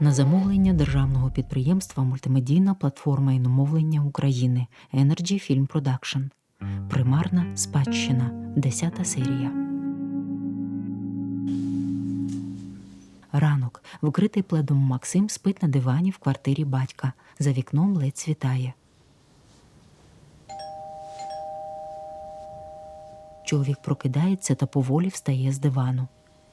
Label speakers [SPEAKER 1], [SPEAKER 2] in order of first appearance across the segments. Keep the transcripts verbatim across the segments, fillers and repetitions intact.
[SPEAKER 1] На замовлення державного підприємства «Мультимедійна платформа іномовлення України» Energy Film Production. Примарна спадщина. Десята серія. Ранок. Вкритий пледом Максим спить на дивані в квартирі батька. За вікном ледь світає. Чоловік прокидається та поволі встає з дивану.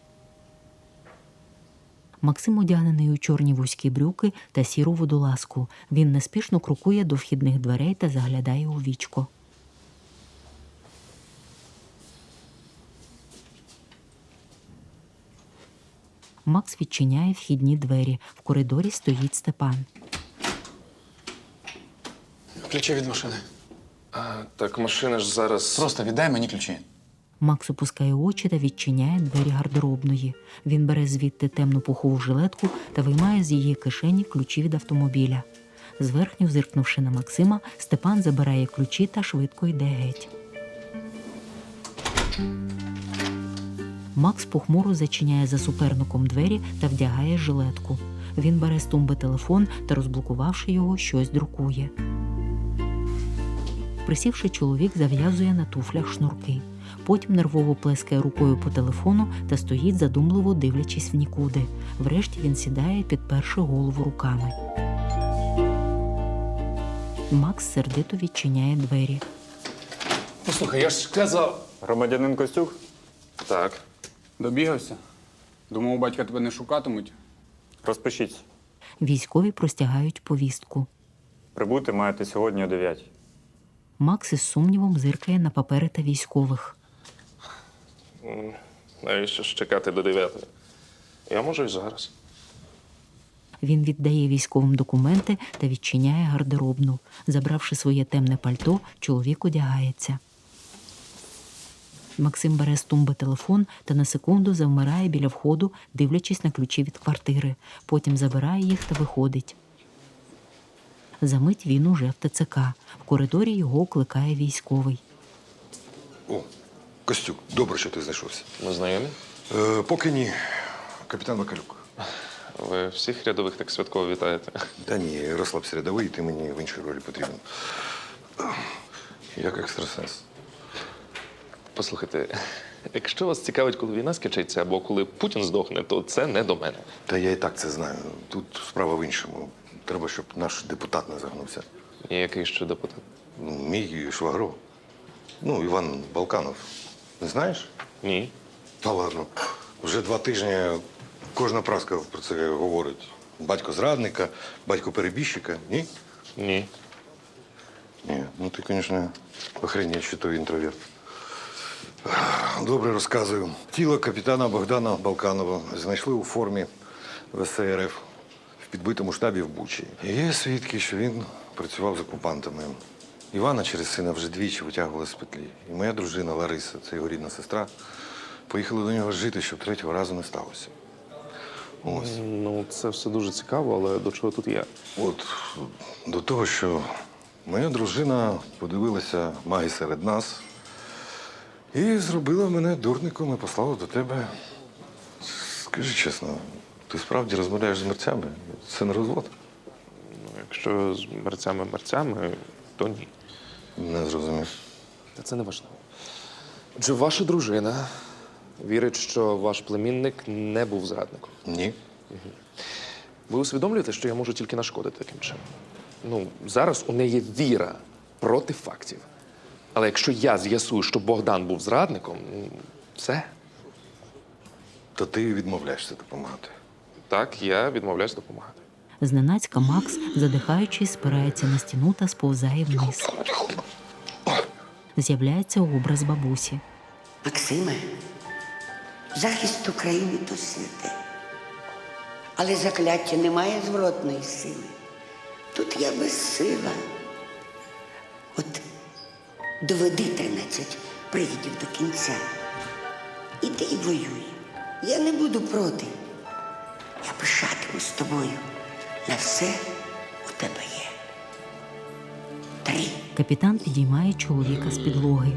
[SPEAKER 1] Максим одягнений у чорні вузькі брюки та сіру водолазку. Він неспішно крокує до вхідних дверей та заглядає у вічко. Макс відчиняє вхідні двері. В коридорі стоїть Степан.
[SPEAKER 2] Ключі від машини.
[SPEAKER 3] А, так машина ж зараз...
[SPEAKER 2] Просто віддай мені ключі.
[SPEAKER 1] Макс опускає очі та відчиняє двері гардеробної. Він бере звідти темну пухову жилетку та виймає з її кишені ключі від автомобіля. Зверхньо зиркнувши на Максима, Степан забирає ключі та швидко йде геть. Макс похмуро зачиняє за суперником двері та вдягає жилетку. Він бере з тумби телефон та, розблокувавши його, щось друкує. Присівши, чоловік зав'язує на туфлях шнурки. Потім нервово плескає рукою по телефону та стоїть, задумливо дивлячись в нікуди. Врешті він сідає, підперши голову руками. Макс сердито відчиняє двері.
[SPEAKER 2] Послухай, я ж казав.
[SPEAKER 4] Громадянин Костюк?
[SPEAKER 3] Так.
[SPEAKER 2] Добігався? Думав, у батька тебе не шукатимуть.
[SPEAKER 4] Розпишіться.
[SPEAKER 1] Військові простягають повістку.
[SPEAKER 4] Прибути маєте сьогодні о дев'ятій.
[SPEAKER 1] Макс із сумнівом зиркає на папери та військових.
[SPEAKER 3] Навіщо ж чекати до дев'ятої? Я можу і зараз.
[SPEAKER 1] Він віддає військовим документи та відчиняє гардеробну. Забравши своє темне пальто, чоловік одягається. Максим бере з тумби телефон та на секунду завмирає біля входу, дивлячись на ключі від квартири. Потім забирає їх та виходить. Замить він уже в ТЦК. В коридорі його окликає військовий.
[SPEAKER 5] О, Костюк, добре, що ти знайшовся.
[SPEAKER 3] Ми знайомі?
[SPEAKER 5] Е, поки ні. Капітан Вакалюк.
[SPEAKER 3] Ви всіх рядових так святково вітаєте.
[SPEAKER 5] Та ні, розслабся рядовий, ти мені в іншій ролі потрібен. Як екстрасенс.
[SPEAKER 3] Послухайте, якщо вас цікавить, коли війна скінчиться, або коли Путін здохне, то це не до мене.
[SPEAKER 5] Та я і так це знаю. Тут справа в іншому. Треба, щоб наш депутат не загнувся.
[SPEAKER 3] І який ще депутат?
[SPEAKER 5] Ну, мій швагро. Ну, Іван Балканов. Не знаєш?
[SPEAKER 3] Ні.
[SPEAKER 5] Та ладно. Вже два тижні кожна праска про це говорить. Батько зрадника, батько перебіжчика. Ні?
[SPEAKER 3] Ні.
[SPEAKER 5] Ні. Ну, ти, звісно, охренеть, що той інтроверт. Добре розказую. Тіло капітана Богдана Балканова знайшли у формі В С Р Ф в підбитому штабі в Бучі. Є свідки, що він працював з окупантами. Івана через сина вже двічі витягували з петлі. І моя дружина Лариса, це його рідна сестра, поїхали до нього жити, щоб третього разу не сталося. Ось.
[SPEAKER 3] Ну, це все дуже цікаво, але до чого тут я?
[SPEAKER 5] От до того, що моя дружина подивилася маги серед нас і зробила мене дурником і послала до тебе. Скажи чесно, ти справді розмовляєш з мерцями? Це не розвод?
[SPEAKER 3] Ну, якщо з мерцями-мерцями, то ні.
[SPEAKER 5] Не зрозумів.
[SPEAKER 3] Та це не важливо. Отже, ваша дружина вірить, що ваш племінник не був зрадником.
[SPEAKER 5] Ні.
[SPEAKER 3] Ви усвідомлюєте, що я можу тільки нашкодити таким чином? Ну, зараз у неї віра проти фактів. Але якщо я з'ясую, що Богдан був зрадником, ну, все.
[SPEAKER 5] То ти відмовляєшся допомагати.
[SPEAKER 3] Так, я відмовляюсь допомагати.
[SPEAKER 1] Зненацька Макс, задихаючись, спирається на стіну та сповзає вниз. З'являється образ бабусі.
[SPEAKER 6] Максиме, захист України – то святе. Але закляття не має зворотної сили. Тут я безсила. От доведи тринадцять привідів до кінця. Іди і воюй. Я не буду проти. Я пишатимусь тобою. На все у тебе є. Три.
[SPEAKER 1] Капітан підіймає чоловіка з підлоги.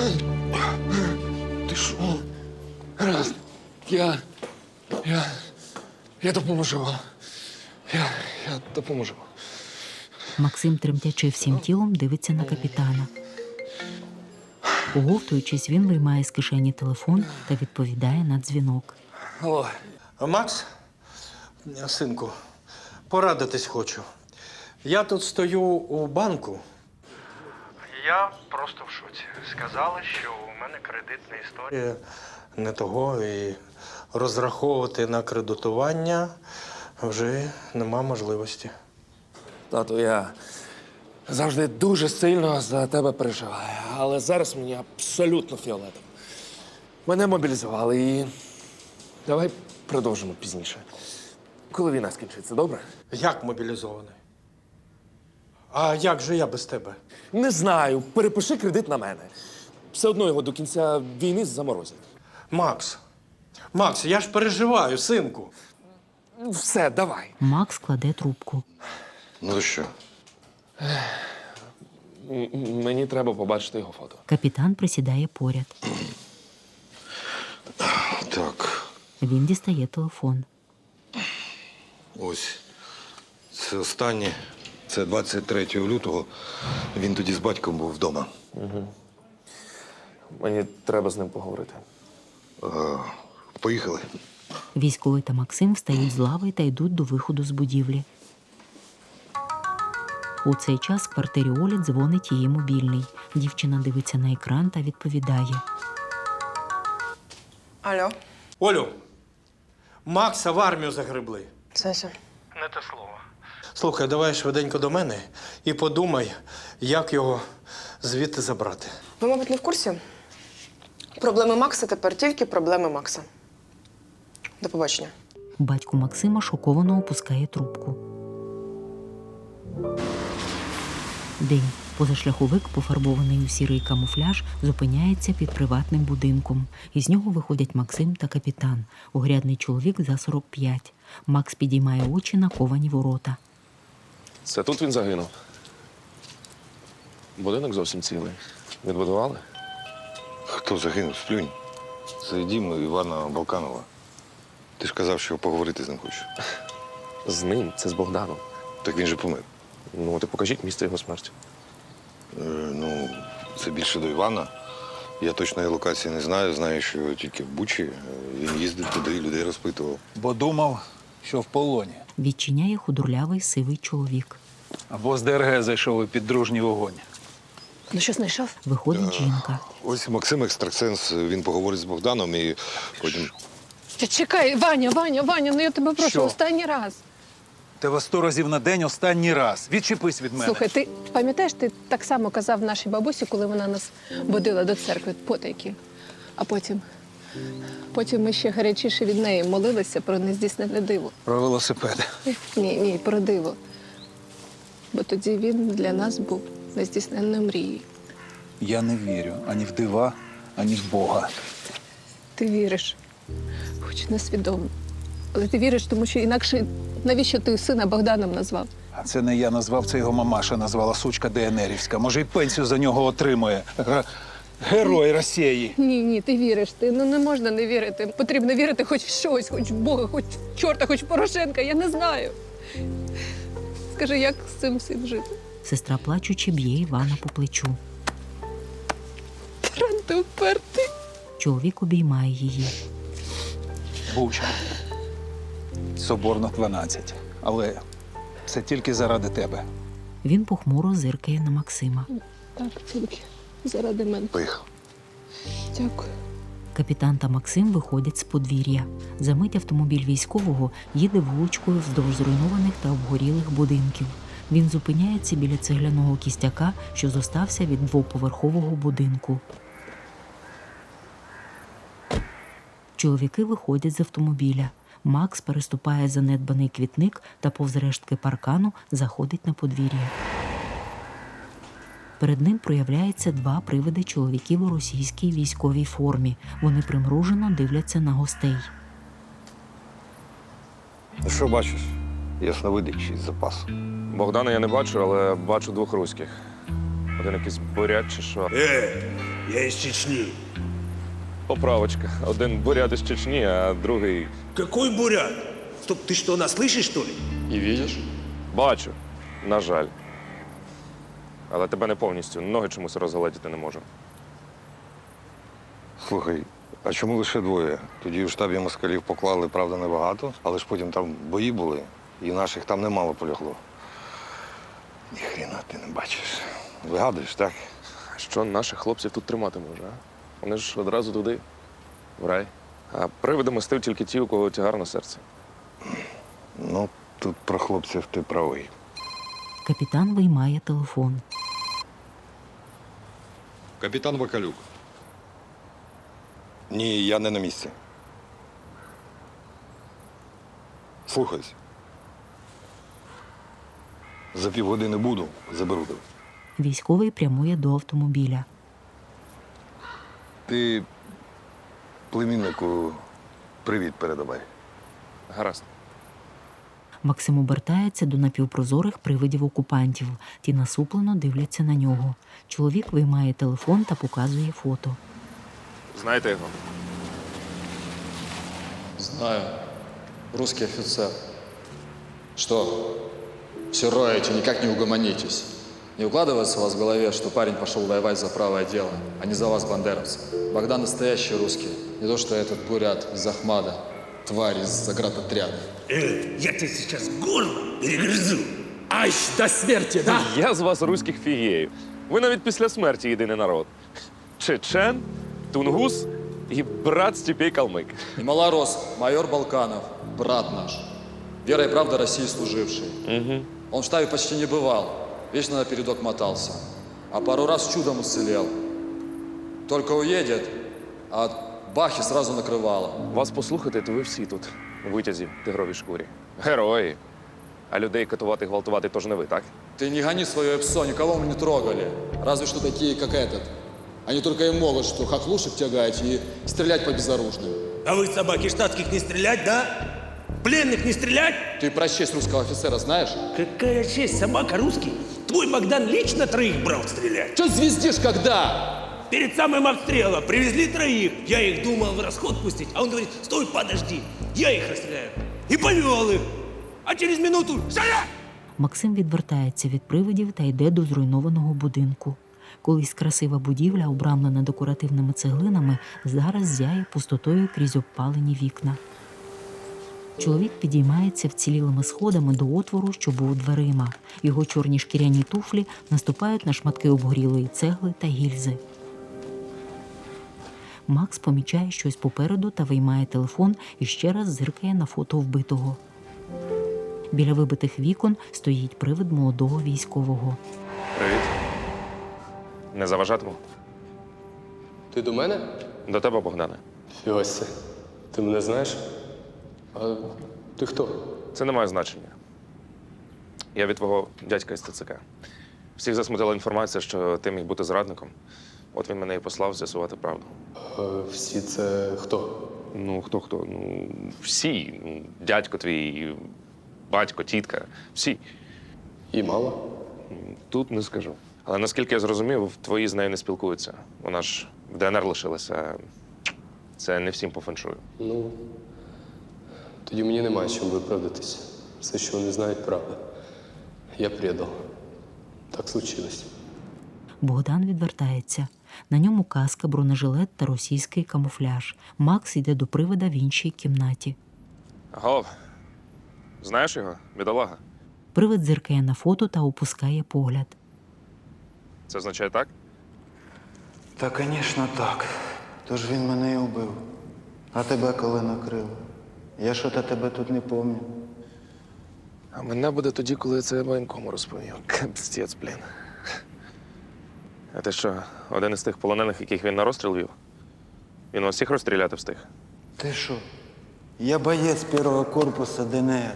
[SPEAKER 5] Ти що?
[SPEAKER 2] Гаразд. Я... Я... Я допоможу вам.
[SPEAKER 3] Я, я допоможу.
[SPEAKER 1] Максим, тремтячи всім тілом, дивиться на капітана. Оговтуючись, він виймає з кишені телефон та відповідає на дзвінок.
[SPEAKER 3] Алло.
[SPEAKER 7] Макс, синку, порадитись хочу. Я тут стою у банку. Я просто в шоці. Сказали, що у мене кредитна історія не того, і розраховувати на кредитування вже нема можливості.
[SPEAKER 3] Тату, я завжди дуже сильно за тебе переживаю, але зараз мені абсолютно фіолетово. Мене мобілізували і давай продовжимо пізніше. Коли війна скінчиться, добре?
[SPEAKER 7] Як мобілізований? А як же я без тебе?
[SPEAKER 3] Не знаю. Перепиши кредит на мене. Все одно його до кінця війни заморозять.
[SPEAKER 7] Макс, Макс, я ж переживаю, синку.
[SPEAKER 3] Все, давай.
[SPEAKER 1] Макс кладе трубку.
[SPEAKER 5] Ну то що?
[SPEAKER 3] М- м- Мені треба побачити його фото.
[SPEAKER 1] Капітан присідає поряд.
[SPEAKER 5] Так,
[SPEAKER 1] Він дістає телефон.
[SPEAKER 5] ось. Це останнє. Це двадцять третього лютого. Він тоді з батьком був вдома.
[SPEAKER 3] Мені треба з ним поговорити.
[SPEAKER 5] Поїхали.
[SPEAKER 1] Військовий та Максим встають з лави та йдуть до виходу з будівлі. У цей час в квартирі Олі дзвонить її мобільний. Дівчина дивиться на екран та відповідає.
[SPEAKER 8] Алло,
[SPEAKER 7] Олю, Макса в армію загребли.
[SPEAKER 8] Сеся.
[SPEAKER 7] Не те слово. Слухай, давай швиденько до мене і подумай, як його звідти забрати.
[SPEAKER 8] Ви, мабуть, не в курсі? Проблеми Макса тепер тільки проблеми Макса. До побачення.
[SPEAKER 1] Батько Максима шоковано опускає трубку. День. Позашляховик, пофарбований у сірий камуфляж, зупиняється під приватним будинком. Із нього виходять Максим та капітан. Огрядний чоловік за сорок п'ять. Макс підіймає очі на ковані ворота.
[SPEAKER 3] Це тут він загинув. Будинок зовсім цілий. Відбудували?
[SPEAKER 5] Хто загинув? Сплюнь. Це дім Івана Балканова. Ти ж казав, що поговорити з ним хочеш.
[SPEAKER 3] З ним, це з Богданом.
[SPEAKER 5] Так він же помер.
[SPEAKER 3] Ну, от і покажіть місце його смерті.
[SPEAKER 5] Е, ну, це більше до Івана. Я точної локації не знаю. Знаю, що тільки в Бучі. Е, Він їздив туди, людей розпитував.
[SPEAKER 9] Бо думав, що в полоні.
[SPEAKER 1] Відчиняє худорлявий сивий чоловік.
[SPEAKER 9] Або з ДРГ зайшов у піддружній вогонь.
[SPEAKER 8] Ну що, знайшов?
[SPEAKER 1] Виходить жінка.
[SPEAKER 5] Ось Максим екстрасенс, він поговорить з Богданом і потім.
[SPEAKER 10] Та чекай, Ваня, Ваня, Ваня, ну я тебе прошу,
[SPEAKER 9] Що?
[SPEAKER 10] останній раз.
[SPEAKER 9] Тебе сто разів на день останній раз. Відчепись від мене.
[SPEAKER 10] Слухай, ти пам'ятаєш, ти так само казав нашій бабусі, коли вона нас водила до церкви потайки. А потім, потім ми ще гарячіше від неї молилися про нездійснене диво.
[SPEAKER 9] Про велосипед.
[SPEAKER 10] Ні, ні, про диво. Бо тоді він для нас був нездійсненною мрією.
[SPEAKER 9] Я не вірю ані в дива, ані в Бога.
[SPEAKER 10] Ти віриш, хоч несвідомо. Але ти віриш, тому що інакше навіщо ти сина Богданом назвав?
[SPEAKER 9] А це не я назвав, це його мамаша назвала сучка ДНРівська. Може, й пенсію за нього отримує. Га- Герой Росії.
[SPEAKER 10] Ні, ні, ти віриш. Ти ну не можна не вірити. Потрібно вірити хоч в щось, хоч в Бога, хоч в чорта, хоч в Порошенка. Я не знаю. Скажи, як з цим всім жити?
[SPEAKER 1] Сестра плачучи б'є Івана по плечу.
[SPEAKER 10] Таран, ти впертий.
[SPEAKER 1] Чоловік обіймає її.
[SPEAKER 9] Буча. Соборно дванадцять. Але це тільки заради тебе.
[SPEAKER 1] Він похмуро зиркає на Максима.
[SPEAKER 10] Так, тільки заради мене.
[SPEAKER 5] Поїхав.
[SPEAKER 10] Дякую.
[SPEAKER 1] Капітан та Максим виходять з подвір'я. Замить автомобіль військового їде вуличкою вздовж зруйнованих та обгорілих будинків. Він зупиняється біля цегляного кістяка, що зостався від двоповерхового будинку. Чоловіки виходять з автомобіля. Макс переступає занедбаний квітник та повз рештки паркану заходить на подвір'я. Перед ним проявляються два привиди чоловіків у російській військовій формі. Вони примружено дивляться на гостей.
[SPEAKER 5] Що бачиш? Ясновидячий з запасу.
[SPEAKER 3] Богдана я не бачу, але бачу двох руських. Один якийсь бурят чи що.
[SPEAKER 11] Э, я из Чечни.
[SPEAKER 3] Поправочка. Один бурят із Чечні, а другий.
[SPEAKER 11] Какой бурят? Стоп, ты что, нас слышишь, что ли?
[SPEAKER 3] І видиш? Бачу. На жаль. Але тебе не повністю. Ноги чомусь розгледіти не можу.
[SPEAKER 5] Слухай, а чому лише двоє? Тоді в штабі москалів поклали, правда, небагато, але ж потім там бої були, і наших там немало полягло. Ніхрена ти не бачиш. Вигадуєш, так?
[SPEAKER 3] Що наших хлопців тут тримати може, а? Вони ж одразу туди, в рай. А привидами стив тільки ті, у кого тягар на серці.
[SPEAKER 5] Ну, тут про хлопців ти правий.
[SPEAKER 1] Капітан виймає телефон.
[SPEAKER 5] Капітан Бакалюк. Ні, я не на місці. Слухайся. За півгодини буду, заберу тебе.
[SPEAKER 1] Військовий прямує до автомобіля.
[SPEAKER 5] Ти племіннику привіт передавай.
[SPEAKER 3] Гаразд.
[SPEAKER 1] Максим обертається до напівпрозорих привидів окупантів. Ті насуплено дивляться на нього. Чоловік виймає телефон та показує фото.
[SPEAKER 3] Знаєте його?
[SPEAKER 12] Знаю. Русский офицер. Что? Все роете, никак не угомонитесь. Не укладывается у вас в голове, что парень пошел воевать за правое дело, а не за вас, бандеровцев. Богдан настоящий русский. Не то, что этот бурят из Ахмада, тварь из заградотряда.
[SPEAKER 11] Э, я тебе сейчас горло перегрызу. Аж до смерти, да?
[SPEAKER 3] Я з вас руських фігеїв. Ви навіть після смерті єдиний народ. Чечен, тунгус і брат Степей Калмик.
[SPEAKER 12] И малорос, майор Балканов, брат наш. Вера и правда России служивший.
[SPEAKER 3] Угу.
[SPEAKER 12] Он в штабе почти не бывал, вечно на передок мотался. А пару раз чудом уцелел. Только уедет, а от бахи сразу накрывало.
[SPEAKER 3] Вас послухати, то ви всі тут, у витязі, тигровій шкурі. Герої. А людей катувати, гвалтувати тож не ви, так?
[SPEAKER 12] Ты не гони свое псо, никого мы не трогали. Разве что такие, как этот. Они только и могут, что хохлушек тягать и стрелять по безоружным.
[SPEAKER 11] А вы, собаки штатских, не стрелять, да? Пленных не стрелять?
[SPEAKER 12] Ты про честь русского офицера знаешь?
[SPEAKER 11] Какая честь, собака русский? Твой Богдан лично троих брал стрелять.
[SPEAKER 12] Че звездишь, когда?
[SPEAKER 11] Перед самым обстрелом привезли троих. Я их думал в расход пустить, а он говорит, стой, подожди, я их расстреляю. И повел их. А через минуту «Стоять!»
[SPEAKER 1] Максим відвертається від привидів та йде до зруйнованого будинку. Колись красива будівля, обрамлена декоративними цеглинами, зараз зяє пустотою крізь обпалені вікна. Чоловік підіймається вцілілими сходами до отвору, що був дверима. Його чорні шкіряні туфлі наступають на шматки обгорілої цегли та гільзи. Макс помічає щось попереду та виймає телефон і ще раз зиркає на фото вбитого. Біля вибитих вікон стоїть привид молодого військового.
[SPEAKER 3] Привіт. Не заважатиму?
[SPEAKER 13] Ти до мене?
[SPEAKER 3] До тебе, Богдане.
[SPEAKER 13] Фіося, ти мене знаєш? А ти хто?
[SPEAKER 3] Це не має значення. Я від твого дядька із Т Ц К. Всіх засмутила інформація, що ти міг бути зрадником. От він мене і послав з'ясувати правду.
[SPEAKER 13] А всі це хто?
[SPEAKER 3] Ну, хто-хто? Ну, всі. Ну, дядько твій, батько, тітка. Всі.
[SPEAKER 13] І мало?
[SPEAKER 3] Тут не скажу. Але наскільки я зрозумів, твої з нею не спілкуються. Вона ж в Д Н Р лишилася. Це не всім по феншую.
[SPEAKER 13] Ну, тоді мені немає чим виправдатися. Все, що вони знають, правда. Я предав. Так случилось.
[SPEAKER 1] Богдан відвертається. На ньому каска, бронежилет та російський камуфляж. Макс йде до привида в іншій кімнаті.
[SPEAKER 3] Гов, знаєш його, бідолага?
[SPEAKER 1] Привид зиркає на фото та опускає погляд.
[SPEAKER 3] Це означає так?
[SPEAKER 14] Та, звісно, так. Тож він мене і убив. А тебе коли накрило? Я що-то тебе тут не пам'ятаю.
[SPEAKER 3] А мене буде тоді, коли я це воєнкому розповів. Капстець, блін. А ти що, один із тих полонених, яких він на розстріл вів? Він вас всіх розстріляти встиг?
[SPEAKER 14] Ти що? Я боєць першого корпусу Д Н Р.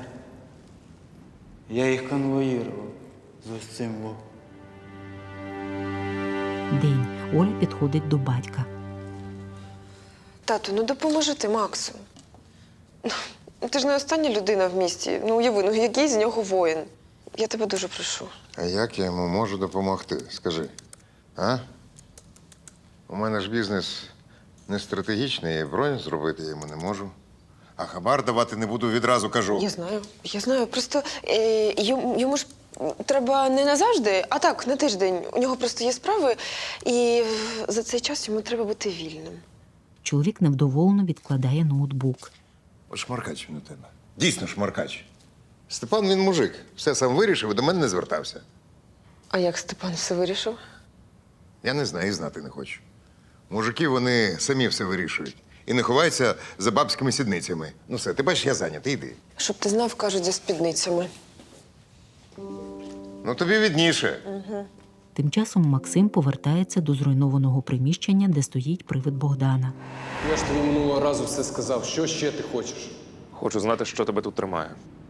[SPEAKER 14] Я їх конвоїрував з ось цим во.
[SPEAKER 1] День. Оля підходить до батька.
[SPEAKER 8] Тату, ну допоможи ти Максу. Ну, ти ж не остання людина в місті. Ну, уяви, ну який з нього воїн. Я тебе дуже прошу.
[SPEAKER 15] А як я йому можу допомогти? Скажи. А? У мене ж бізнес не стратегічний, і бронь зробити я йому не можу. А хабар давати не буду, відразу кажу.
[SPEAKER 8] Я знаю, я знаю. Просто е, йому, йому ж треба не назавжди, а так, на тиждень. У нього просто є справи, і за цей час йому треба бути вільним.
[SPEAKER 1] Чоловік невдоволено відкладає ноутбук.
[SPEAKER 15] От шмаркач він у тебе. Дійсно шмаркач. Степан, він мужик. Все сам вирішив і до мене не звертався.
[SPEAKER 8] А як Степан все вирішив?
[SPEAKER 15] Я не знаю і знати не хочу. Мужики, вони самі все вирішують. І не ховаються за бабськими сідницями. Ну все, ти бачиш, я зайнятий, йди.
[SPEAKER 8] Щоб ти знав, кажуть, за спідницями.
[SPEAKER 15] Ну тобі відніше.
[SPEAKER 8] Угу.
[SPEAKER 1] Тим часом Максим повертається до зруйнованого приміщення, де стоїть привид Богдана.
[SPEAKER 13] Я ж тобі минулого разу все сказав. Що ще ти хочеш?
[SPEAKER 3] Хочу знати, що тебе тут тримає.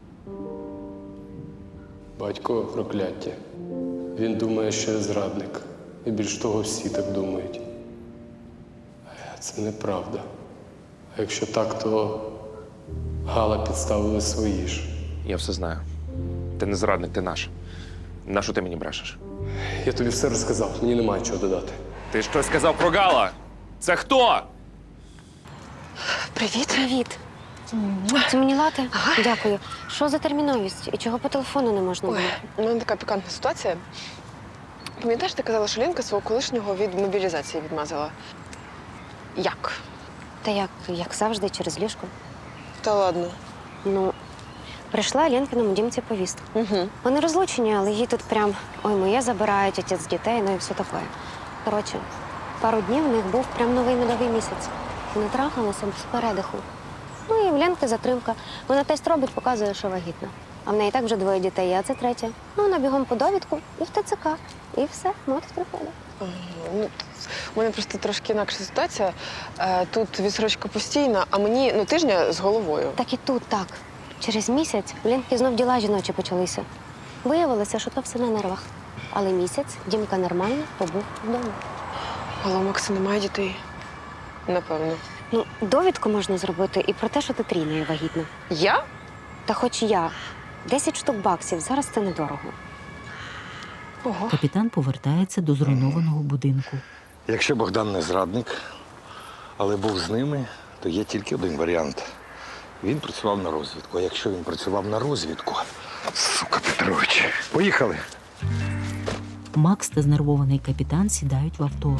[SPEAKER 13] Батько прокляття. Він думає, що я зрадник. І більш того, всі так думають. А це неправда. А якщо так, то Гала підставили свої ж.
[SPEAKER 3] Я все знаю. Ти не зрадник, ти наш. Нащо ти мені брешеш?
[SPEAKER 13] Я тобі все розказав, мені немає чого додати.
[SPEAKER 3] Ти щось сказав про Гала? Це хто?
[SPEAKER 8] Привіт.
[SPEAKER 16] Привіт. Це мені лати? Ага. Дякую. Що за терміновість? І чого по телефону не можна було?
[SPEAKER 8] Ой, у мене така пікантна ситуація. Пам'ятаєш, ти казала, що Ленка свого колишнього від мобілізації відмазала? Як?
[SPEAKER 16] Та як, як завжди, через ліжко.
[SPEAKER 8] Та ладно.
[SPEAKER 16] Ну, прийшла Ленкиному дімці повістка.
[SPEAKER 8] Угу.
[SPEAKER 16] Вони розлучені, але її тут прям, ой, моє забирають, отець дітей, ну і все таке. Коротше, пару днів в них був прям новий медовий місяць. Вони трахалися без передиху. Ну і в Ленки затримка. Вона тест робить, показує, що вагітна. А в неї так вже двоє дітей, а це третє. Ну, вона бігом по довідку і в ТЦК. І все, мотик приходить.
[SPEAKER 8] Ага, ну, у мене просто трошки інакша ситуація. Е, Тут відсрочка постійна, а мені ну, тижня з головою.
[SPEAKER 16] Так і тут так. Через місяць у Ленки знов діла жіночі почалися. Виявилося, що то все на нервах. Але місяць Дімка нормально побув вдома.
[SPEAKER 8] Але у Макса немає дітей. Напевно.
[SPEAKER 16] Ну, довідку можна зробити і про те, що ти трійною вагітна.
[SPEAKER 8] Я?
[SPEAKER 16] Та хоч я. Десять штук баксів. Зараз це недорого.
[SPEAKER 8] Ого.
[SPEAKER 1] Капітан повертається до зруйнованого будинку.
[SPEAKER 5] Якщо Богдан не зрадник, але був з ними, то є тільки один варіант. Він працював на розвідку. А якщо він працював на розвідку, сука Петрович, поїхали.
[SPEAKER 1] Макс та знервований капітан сідають в авто.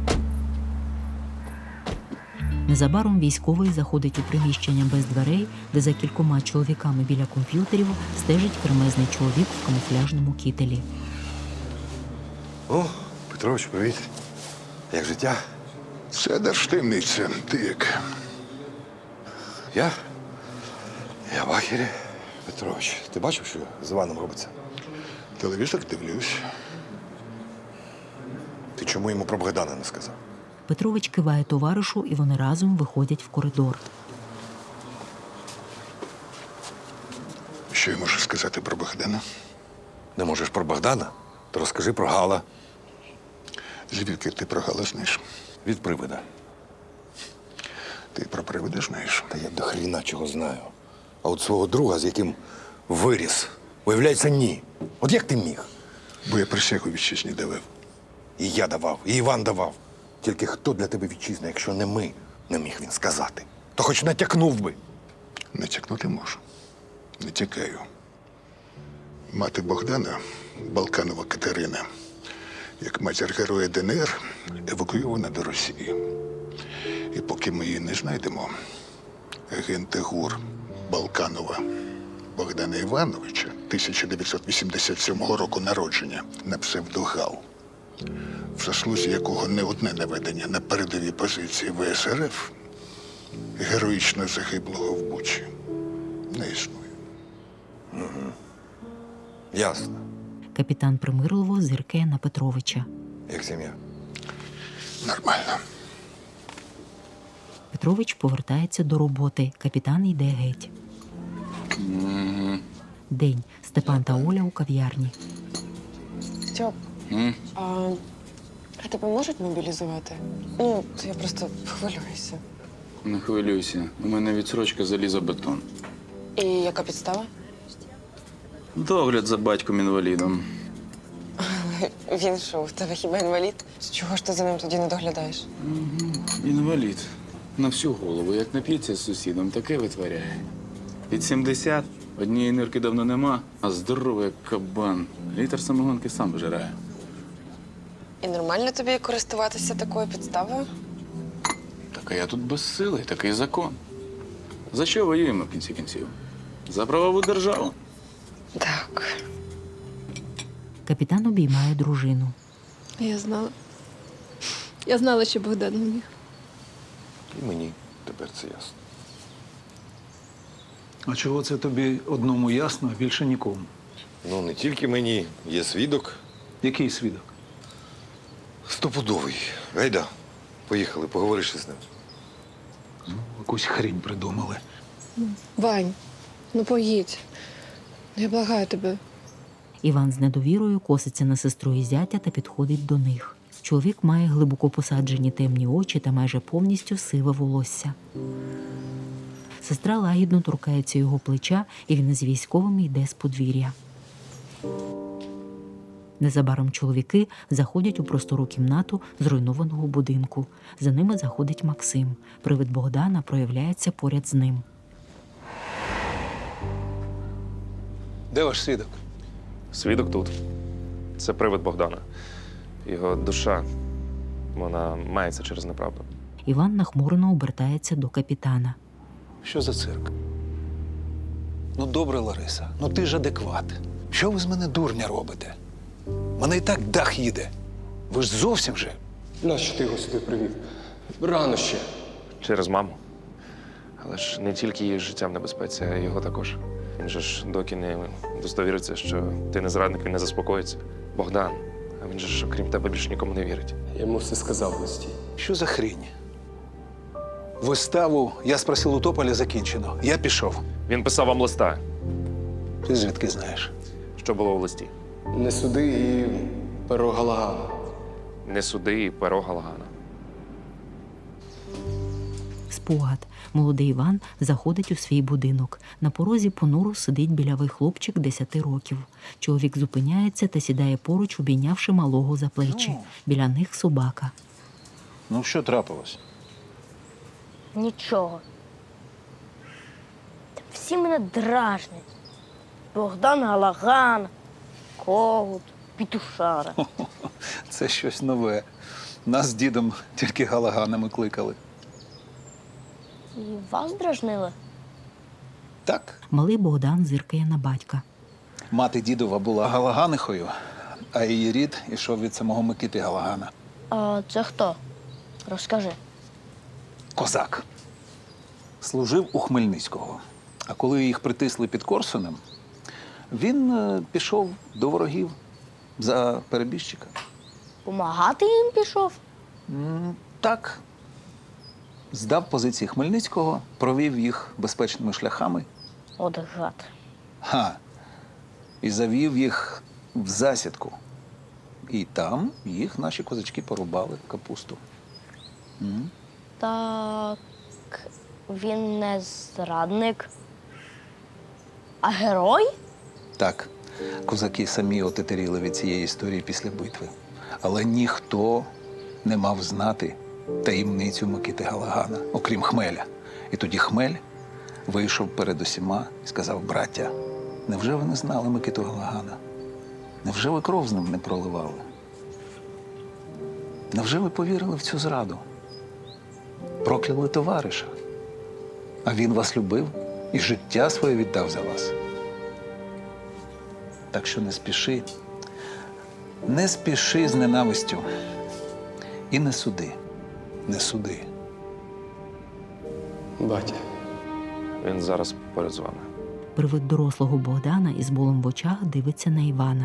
[SPEAKER 1] Незабаром військовий заходить у приміщення без дверей, де за кількома чоловіками біля комп'ютерів стежить кремезний чоловік в камуфляжному кітелі.
[SPEAKER 5] О, Петрович, привіт. Як життя?
[SPEAKER 17] Це держтаємниця. Ти як?
[SPEAKER 5] Я? Я в ахері. Петрович, ти бачив, що з Іваном робиться?
[SPEAKER 17] Телевізор дивлюсь.
[SPEAKER 5] Ти чому йому про Богдана не сказав?
[SPEAKER 1] Петрович киває товаришу, і вони разом виходять в коридор.
[SPEAKER 17] Що я можу сказати про Богдана?
[SPEAKER 5] Не можеш про Богдана? То розкажи про Гала.
[SPEAKER 17] Звідки ти про Гала знаєш?
[SPEAKER 5] Від привида.
[SPEAKER 17] Ти про привида знаєш?
[SPEAKER 5] Та я до хріна чого знаю. А от свого друга, з яким виріс, виявляється, ні. От як ти міг?
[SPEAKER 17] Бо я присягу вітчизні давав.
[SPEAKER 5] І я давав, і Іван давав. Тільки хто для тебе вітчизна, якщо не ми, не міг він сказати. То хоч натякнув би.
[SPEAKER 17] Натякнути можу. Не тікаю. Мати Богдана, Балканова Катерина, як матір героя ДНР, евакуйована до Росії. І поки ми її не знайдемо, агенти ГУР Балканова Богдана Івановича, тисяча дев'ятсот вісімдесят сьомого року народження, на псевдогал, в заслузі якого не одне наведення на передові позиції ВСРФ, героїчно загиблого в Бучі, не існує.
[SPEAKER 5] Угу. Ясно.
[SPEAKER 1] Капітан примирливо зиркає на Петровича.
[SPEAKER 5] Як сім'я?
[SPEAKER 17] Нормально.
[SPEAKER 1] Петрович повертається до роботи. Капітан йде геть.
[SPEAKER 2] Mm-hmm.
[SPEAKER 1] День. Степан та Оля у кав'ярні.
[SPEAKER 8] Стьоп,
[SPEAKER 2] Mm?
[SPEAKER 8] а, а тебе можуть мобілізувати? Ну, то я просто хвилююся.
[SPEAKER 2] Не хвилюйся. У мене відсрочка залізобетон.
[SPEAKER 8] І яка підстава?
[SPEAKER 2] Догляд за батьком-інвалідом.
[SPEAKER 8] Він що, в тебе хіба інвалід? З чого ж ти за ним тоді не доглядаєш?
[SPEAKER 2] Угу. Інвалід. на всю голову. Як нап'ється з сусідом, таке витворяє. Під сімдесят, однієї нирки давно нема, а здоровий як кабан. Літр самогонки сам вжирає.
[SPEAKER 8] І нормально тобі користуватися такою підставою?
[SPEAKER 2] Так а я тут безсилий, такий закон. За що воюємо в кінці кінців? За правову державу.
[SPEAKER 8] Так.
[SPEAKER 1] Капітан обіймає дружину.
[SPEAKER 10] Я знала. Я знала, що Богдан мені.
[SPEAKER 5] І мені тепер це ясно.
[SPEAKER 9] А чого це тобі одному ясно, а більше нікому?
[SPEAKER 5] Ну, не тільки мені, є свідок.
[SPEAKER 9] Який свідок?
[SPEAKER 5] Стопудовий. Гайда, поїхали, поговориш із ним.
[SPEAKER 9] Ну, якусь хрінь придумали.
[SPEAKER 10] Вань, ну поїдь. Я благаю тебе.
[SPEAKER 1] Іван з недовірою коситься на сестру і зятя та підходить до них. Чоловік має глибоко посаджені темні очі та майже повністю сиве волосся. Сестра лагідно торкається його плеча, і він із військовими йде з подвір'я. Незабаром чоловіки заходять у простору кімнату зруйнованого будинку. За ними заходить Максим. Привид Богдана проявляється поряд з ним.
[SPEAKER 9] Де ваш свідок?
[SPEAKER 3] Свідок тут. Це привид Богдана. Його душа, вона мається через неправду.
[SPEAKER 1] Іван нахмурено обертається до капітана.
[SPEAKER 9] Що за цирк? Ну, добре, Лариса, ну ти ж адекват. Що ви з мене дурня робите? Мене і так дах їде. Ви ж зовсім же.
[SPEAKER 13] Нащо ти його сюди привів? Рано ще.
[SPEAKER 3] Через маму. Але ж не тільки її життя в небезпеці, а й його також. Він же ж доки не удостовіриться, що ти не зрадник, він не заспокоїться. Богдан, а він же ж, окрім тебе, більше нікому не вірить.
[SPEAKER 13] Я йому все сказав в листі.
[SPEAKER 9] Що за хрінь? Виставу «Я спросив у Тополя» закінчено. Я пішов.
[SPEAKER 3] Він писав вам листа.
[SPEAKER 9] Ти звідки знаєш?
[SPEAKER 3] Що було в листі?
[SPEAKER 13] Не суди і перо Галагана.
[SPEAKER 3] Не суди і перо Галагана.
[SPEAKER 1] Спогад. Молодий Іван заходить у свій будинок. На порозі понуро сидить білявий хлопчик десяти років. Чоловік зупиняється та сідає поруч, обійнявши малого за плечі. Біля них собака.
[SPEAKER 9] Ну, що трапилось?
[SPEAKER 18] Нічого. Всі мене дражнять. Богдан Галаган, Когут, Пітушара.
[SPEAKER 9] Це щось нове. Нас з дідом тільки Галаганами кликали.
[SPEAKER 18] І вас дражнили?
[SPEAKER 9] Так.
[SPEAKER 1] Малий Богдан зиркає на батька.
[SPEAKER 9] Мати дідова була Галаганихою, а її рід ішов від самого Микити Галагана.
[SPEAKER 18] А це хто? Розкажи.
[SPEAKER 9] Козак. Служив у Хмельницького. А коли їх притисли під Корсунем, він е, пішов до ворогів за перебіжчика.
[SPEAKER 18] Помагати їм пішов?
[SPEAKER 9] М, так. Здав позиції Хмельницького, провів їх безпечними шляхами.
[SPEAKER 18] От гад.
[SPEAKER 9] Ха. І завів їх в засідку. І там їх наші козачки порубали в капусту. М.
[SPEAKER 18] Так він не зрадник, а герой?
[SPEAKER 9] Так, козаки самі отетеріли від цієї історії після битви. Але ніхто не мав знати таємницю Микити Галагана, окрім Хмеля. І тоді Хмель вийшов перед усіма і сказав: браття, невже ви не знали Микиту Галагана? Невже ви кров з ним не проливали? Невже ви повірили в цю зраду? Прокляли товариша. А він вас любив і життя своє віддав за вас. Так що не спіши, не спіши з ненавистю. І не суди, не суди.
[SPEAKER 13] Батя.
[SPEAKER 3] Він зараз поряд з вами.
[SPEAKER 1] Привид дорослого Богдана із болем в очах дивиться на Івана.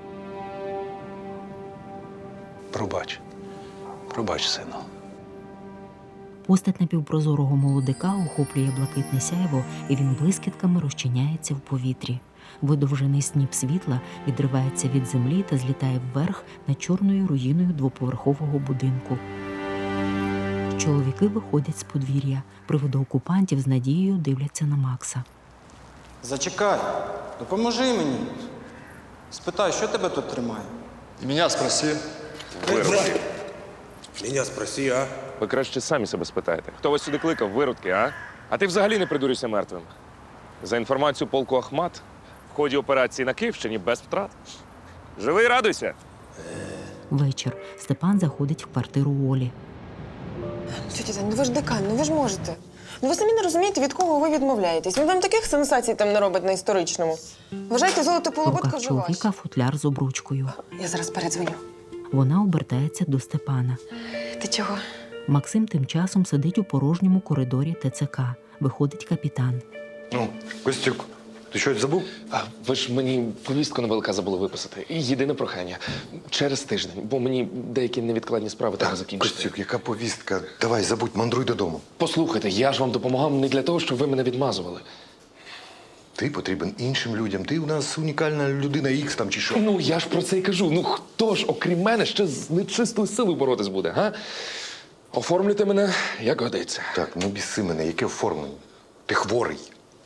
[SPEAKER 9] Пробач. Пробач, сину.
[SPEAKER 1] Постать напівпрозорого молодика охоплює блакитне сяйво, і він блискітками розчиняється в повітрі. Видовжений сніп світла відривається від землі та злітає вверх над чорною руїною двоповерхового будинку. Чоловіки виходять з подвір'я. Приводи окупантів з надією дивляться на Макса.
[SPEAKER 14] Зачекай, допоможи мені. Спитай, що тебе тут тримає?
[SPEAKER 12] Меня спроси.
[SPEAKER 11] Меня спроси, а?
[SPEAKER 3] Ви краще самі себе спитаєте. Хто вас сюди кликав, виродки, а? А ти взагалі не придурюйся мертвим. За інформацією полку Ахмат, в ході операції на Київщині без втрат. Живий, радуйся.
[SPEAKER 1] Вечір. Степан заходить в квартиру Олі.
[SPEAKER 8] Тетя Тань, ну ви ж декан, ну ви ж можете. Ну ви самі не розумієте, від кого ви відмовляєтесь. Він вам таких сенсацій там не робить на історичному. Вважайте, золото
[SPEAKER 1] В
[SPEAKER 8] полуботка
[SPEAKER 1] руках
[SPEAKER 8] вже ваше.
[SPEAKER 1] чоловіка футляр з обручкою.
[SPEAKER 8] Я зараз передзвоню.
[SPEAKER 1] Вона обертається до Степана.
[SPEAKER 8] Ти чого?
[SPEAKER 1] Максим тим часом сидить у порожньому коридорі ТЦК. Виходить капітан.
[SPEAKER 5] Ну, Костюк, ти щось забув?
[SPEAKER 3] А ви ж мені повістку на ВЛК забули виписати. І єдине прохання. Через тиждень, бо мені деякі невідкладні справи треба закінчити.
[SPEAKER 5] Костюк, яка повістка? Давай, забудь, мандруй додому.
[SPEAKER 3] Послухайте, я ж вам допомагав не для того, щоб ви мене відмазували.
[SPEAKER 5] Ти потрібен іншим людям. Ти у нас унікальна людина Ікс там чи що.
[SPEAKER 3] Ну, я ж про це й кажу. Ну, хто ж, окрім мене, ще з нечистою силою боротись буде, га? Оформлюйте мене, як годиться.
[SPEAKER 5] Так, ну біси мене, яке оформлення? Ти хворий.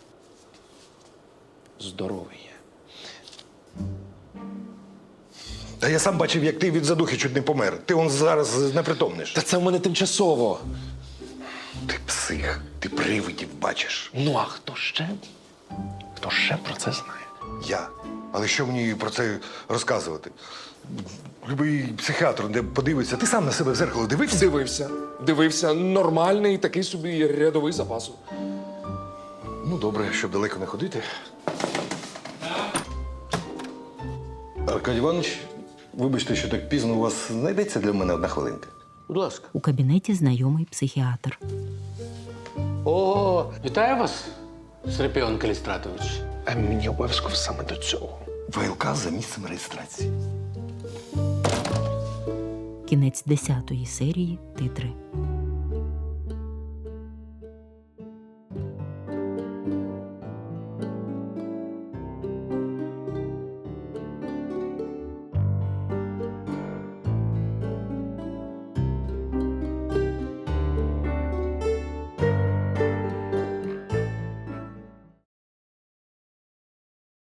[SPEAKER 3] Здоровий є.
[SPEAKER 5] Та я сам бачив, як ти від задухи чуть не помер. Ти он зараз непритомниш.
[SPEAKER 3] Та це в мене тимчасово.
[SPEAKER 5] Ти псих, ти привидів бачиш.
[SPEAKER 3] Ну, а хто ще? Хто ще про це знає?
[SPEAKER 5] Я. Але що мені про це розказувати? Любий психіатр, де подивиться, ти сам на себе в зеркало дивився?
[SPEAKER 3] Дивився. Дивився. Нормальний такий собі рядовий запасу.
[SPEAKER 5] Ну, добре, щоб далеко не ходити. Аркадій Іванович, вибачте, що так пізно у вас знайдеться для мене одна хвилинка.
[SPEAKER 7] Будь ласка.
[SPEAKER 1] У кабінеті знайомий психіатр.
[SPEAKER 7] О, вітаю вас, Серпіон Калістратович.
[SPEAKER 3] А мені обов'язково саме до цього.
[SPEAKER 5] ВЛК за місцем реєстрації.
[SPEAKER 1] Кінець десятої серії. Титри.